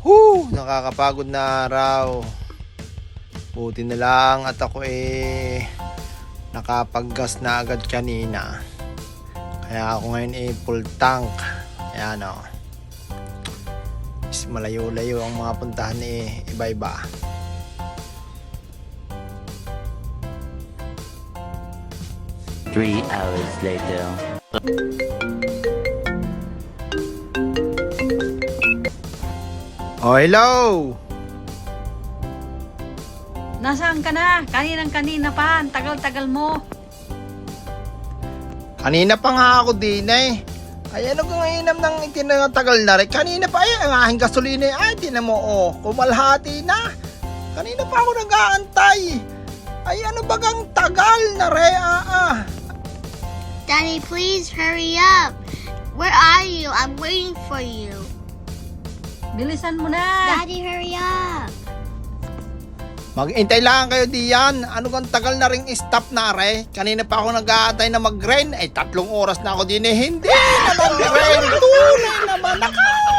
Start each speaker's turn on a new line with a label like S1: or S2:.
S1: Nakakapagod na araw. Buti na lang at ako nakapaggas na agad kanina. Kaya ako ngayon full tank. Ayan o. Malayo-layo ang mga puntahan iba-iba.
S2: Three hours later.
S1: Oh, hello!
S3: Nasaan ka na? Kanina pa. Ang tagal-tagal mo.
S1: Kanina pa nga ako din Ay ano kung inam ng itinatagal na rin. Kanina pa ang aking gasolina ay tinan mo kumalhati na. Kanina pa ako nag-aantay. Ay ano bagang tagal na rin
S4: Daddy, please hurry up. Where are you? I'm waiting for you.
S3: Bilisan mo na.
S4: Daddy, hurry up.
S1: Mag-intay lang kayo diyan. Ano kang tagal na ring stop na re. Kanina pa ako nag-aantay na mag-rain. Ay 3 oras na ako din Hindi na mag-rain. Tunay naman.